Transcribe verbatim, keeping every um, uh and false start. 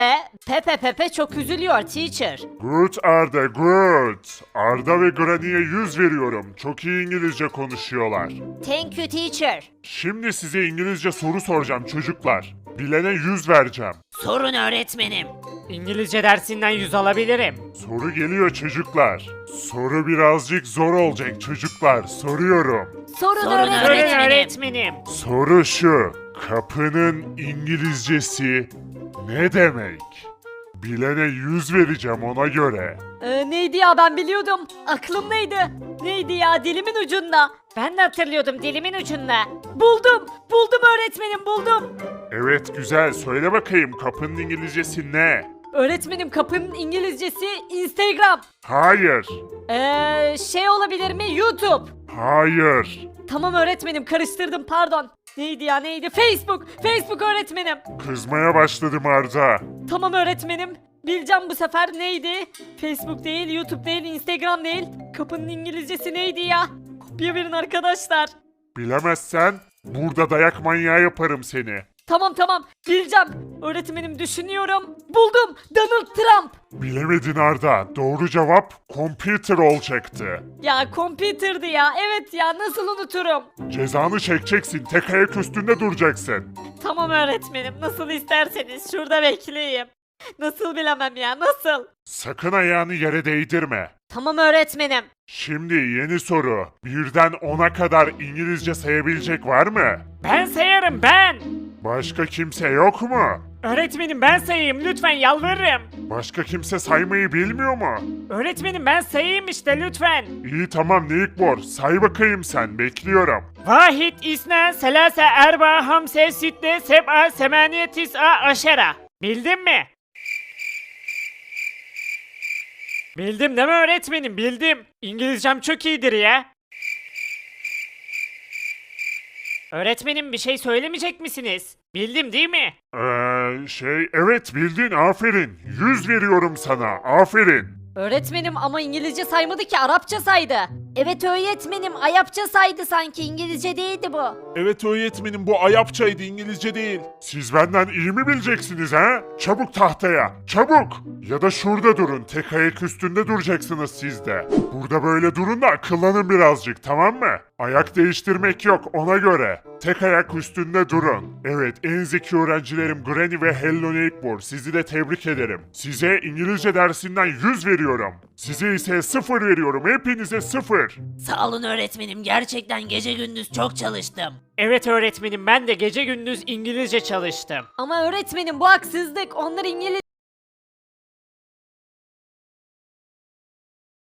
E, Pepe Pepe çok üzülüyor teacher. Good Arda, good. Arda ve Granny'e yüz veriyorum. Çok iyi İngilizce konuşuyorlar. Thank you teacher. Şimdi size İngilizce soru soracağım çocuklar. Bilene yüz vereceğim. Sorun öğretmenim. İngilizce dersinden yüz alabilirim. Soru geliyor çocuklar. Soru birazcık zor olacak çocuklar. Soruyorum. Sorun, Sorun Öğretmenim. öğretmenim. öğretmenim. Soru şu. Kapının İngilizcesi ne demek? Bilene yüz vereceğim ona göre. Ee, neydi ya ben biliyordum. Aklımdaydı. Neydi ya dilimin ucunda. Ben de hatırlıyordum dilimin ucunda. Buldum. Buldum öğretmenim buldum. Evet güzel. Söyle bakayım kapının İngilizcesi ne? Öğretmenim kapının İngilizcesi Instagram. Hayır. Ee, şey olabilir mi YouTube? Hayır. Tamam öğretmenim karıştırdım pardon. Neydi ya neydi? Facebook. Facebook öğretmenim. Kızmaya başladım Arda. Tamam öğretmenim. Bileceğim bu sefer neydi? Facebook değil, YouTube değil, Instagram değil. Kapının İngilizcesi neydi ya? Kopya verin arkadaşlar. Bilemezsen burada dayak manyağı yaparım seni. Tamam tamam bileceğim. Öğretmenim düşünüyorum. Buldum. Donald Trump. Bilemedin Arda. Doğru cevap computer olacaktı. Ya computer'dı ya. Evet ya nasıl unuturum? Cezanı çekeceksin. Tek ayak üstünde duracaksın. Tamam öğretmenim nasıl isterseniz şurada bekleyeyim. Nasıl bilemem ya nasıl? Sakın ayağını yere değdirme. Tamam öğretmenim. Şimdi yeni soru. Birden ona kadar İngilizce sayabilecek var mı? Ben sayarım ben. Başka kimse yok mu? Öğretmenim ben sayayım lütfen yalvarırım. Başka kimse saymayı bilmiyor mu? Öğretmenim ben sayayım işte lütfen. İyi tamam Nickbor. Say bakayım sen. Bekliyorum. Vahid isna selase erba hamse sitte seb'a semaniye tis'a aşera. Bildin mi? Bildim değil mi öğretmenim? Bildim. İngilizcem çok iyidir ya. Öğretmenim bir şey söylemeyecek misiniz? Bildim değil mi? Ee, şey evet bildin aferin. Yüz veriyorum sana. Aferin. Öğretmenim ama İngilizce saymadı ki Arapça saydı. Evet öğretmenim Arapça saydı sanki İngilizce değildi bu. Evet öğretmenim bu Ayapçaydı İngilizce değil. Siz benden iyi mi bileceksiniz ha? Çabuk tahtaya çabuk. Ya da şurada durun tek ayak üstünde duracaksınız siz de. Burada böyle durun da akıllanın birazcık tamam mı? Ayak değiştirmek yok ona göre. Tek ayak üstünde durun. Evet en zeki öğrencilerim Granny ve Hello Neighbor sizi de tebrik ederim. Size İngilizce dersinden yüz veriyorum. Size ise sıfır veriyorum hepinize sıfır. Sağ olun öğretmenim gerçekten gece gündüz çok çalıştım. Evet öğretmenim ben de gece gündüz İngilizce çalıştım. Ama öğretmenim bu haksızlık. Onlar İngilizce